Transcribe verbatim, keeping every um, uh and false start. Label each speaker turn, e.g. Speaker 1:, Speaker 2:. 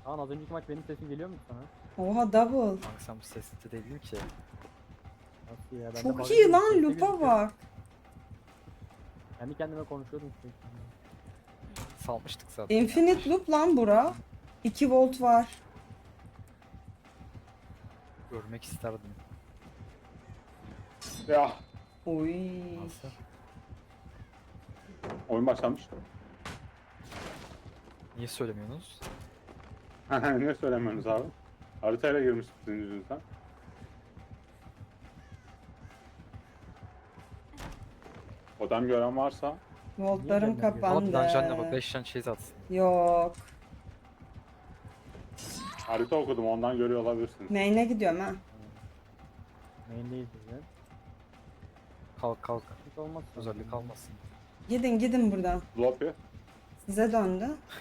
Speaker 1: Kaan az önceki maç benim sesim geliyor mu sana?
Speaker 2: Oha double.
Speaker 3: Kanka sen bu sesli değildin ki.
Speaker 1: Nasıl ya? Ben de
Speaker 2: Çok
Speaker 1: bug'a
Speaker 2: iyi
Speaker 1: girdim,
Speaker 2: lan
Speaker 1: sesli
Speaker 2: lupa
Speaker 1: gözüküyor.
Speaker 2: bak.
Speaker 1: Kendi kendime konuşuyordum sürekli.
Speaker 3: Salmıştık zaten. ya.
Speaker 2: Infinite loop lan bura. iki volt var.
Speaker 3: Görmek isterdim.
Speaker 4: Ya
Speaker 2: Oy.
Speaker 3: Nasıl?
Speaker 4: oyun başlamış.
Speaker 3: Niye söylemiyorsunuz?
Speaker 4: Ne söylemiyorsunuz abi? Haritayla girmiştik sizin yüzünüzden. Odam gören varsa
Speaker 2: Voltlarım
Speaker 1: Niye gelmedi?
Speaker 3: Ama bir
Speaker 2: kapandı.
Speaker 3: canına bak beş can chase atsın.
Speaker 2: Yok.
Speaker 4: harita okudum ondan görüyor olabilirsiniz.
Speaker 2: Main'e gidiyorum ha.
Speaker 1: Main'deyiz biz de.
Speaker 3: Kalk kalk.
Speaker 1: Hiç olmaz.
Speaker 3: Özellik kalmasın.
Speaker 2: Gidin gidin buradan.
Speaker 4: Floppy.
Speaker 2: Size döndü.